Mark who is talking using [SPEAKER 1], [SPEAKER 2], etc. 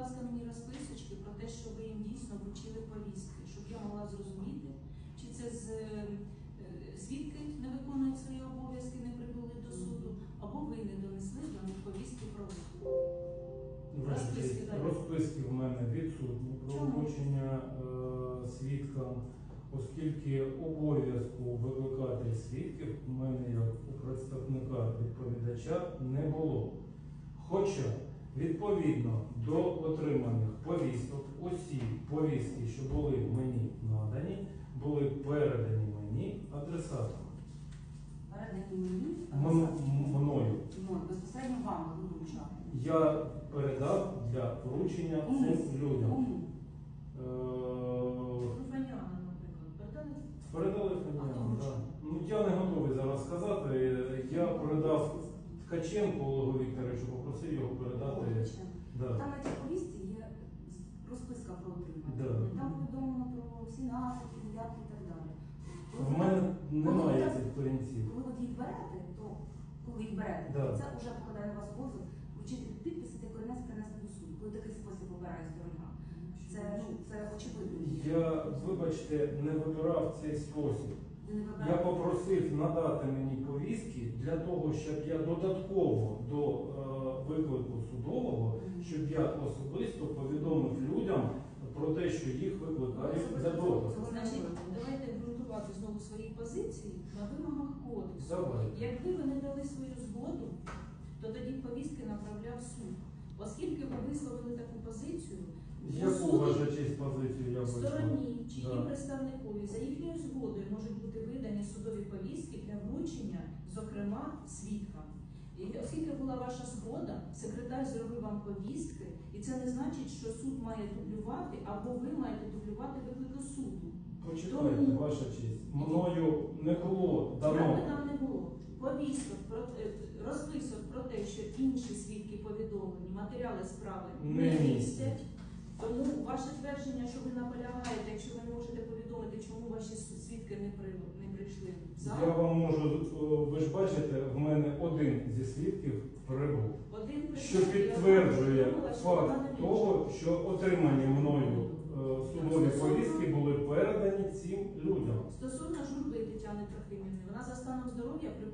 [SPEAKER 1] ласка, мені розписочки про те, що ви їм дійсно вручили повістки, щоб я могла зрозуміти, чи це свідки не виконують свої обов'язки, не прибули до суду, або ви не донесли до них повістки про
[SPEAKER 2] Розписки в мене відсутні про вручення свідкам, оскільки обов'язку викликати свідків у мене як у представника відповідача не було. Хоча, відповідно до отриманих повісток, усі повістки, що були мені надані, були передані мені адресатами.
[SPEAKER 3] Передані мені?
[SPEAKER 2] Мною.
[SPEAKER 3] Безпосередньо вам вручати.
[SPEAKER 2] Я передав для вручення цим людям.
[SPEAKER 1] Фаніана, наприклад,
[SPEAKER 2] Передали Фаніану, так. Ну, я не готовий зараз сказати. Я передав Ткаченку Олегу Вікторовичу, попросив його передати.
[SPEAKER 3] Да. Там на цій повістці є розписка про отримання.
[SPEAKER 2] Да.
[SPEAKER 3] Там повідомлено про всі наслідки, дев'ятки і так далі.
[SPEAKER 2] В мене немає цих корінців.
[SPEAKER 3] Коли ви їх берете, то це вже покладає на вас обов'язок вручити підпис і принести до суду. Коли такий спосіб обирає сторона. Це очевидно.
[SPEAKER 2] Я, вибачте, не вибирав цей спосіб. Я попросив надати мені повістки для того, щоб я додатково до виклику судового, щоб я особисто повідомив людям про те, що їх викликають за допуск.
[SPEAKER 1] Значить, давайте ґрунтувати знову свої позиції на вимогах кодексу.
[SPEAKER 2] Давайте.
[SPEAKER 1] Якби ви не дали свою згоду, то тоді повістки направляв суд. Оскільки ви висловили таку позицію,
[SPEAKER 2] Яку ваша честь позицію я висловив?
[SPEAKER 1] стороні чи її представникові за їхньою згодою можуть бути видані судові повістки для вручення, зокрема, свідкам. І оскільки була ваша згода, секретар зробив вам повістки, і це не значить, що суд має дублювати, або ви маєте дублювати виклик до суду.
[SPEAKER 2] Почекайте, ваша честь. Мною не було дано.
[SPEAKER 1] Там не було повісток, розписок про те, що інші свідки повідомлені, матеріали справи не містять. Тому ваше твердження, що ви наполягаєте, якщо ви не можете повідомити, чому ваші свідки не прийшли в зал.
[SPEAKER 2] Я вам можу, ви ж бачите, в мене один зі свідків прибув, що підтверджує факт того, що отримані мною судові повістки були передані цим людям.
[SPEAKER 1] Стосовно Журби Тетяни Трохимівни, вона за станом здоров'я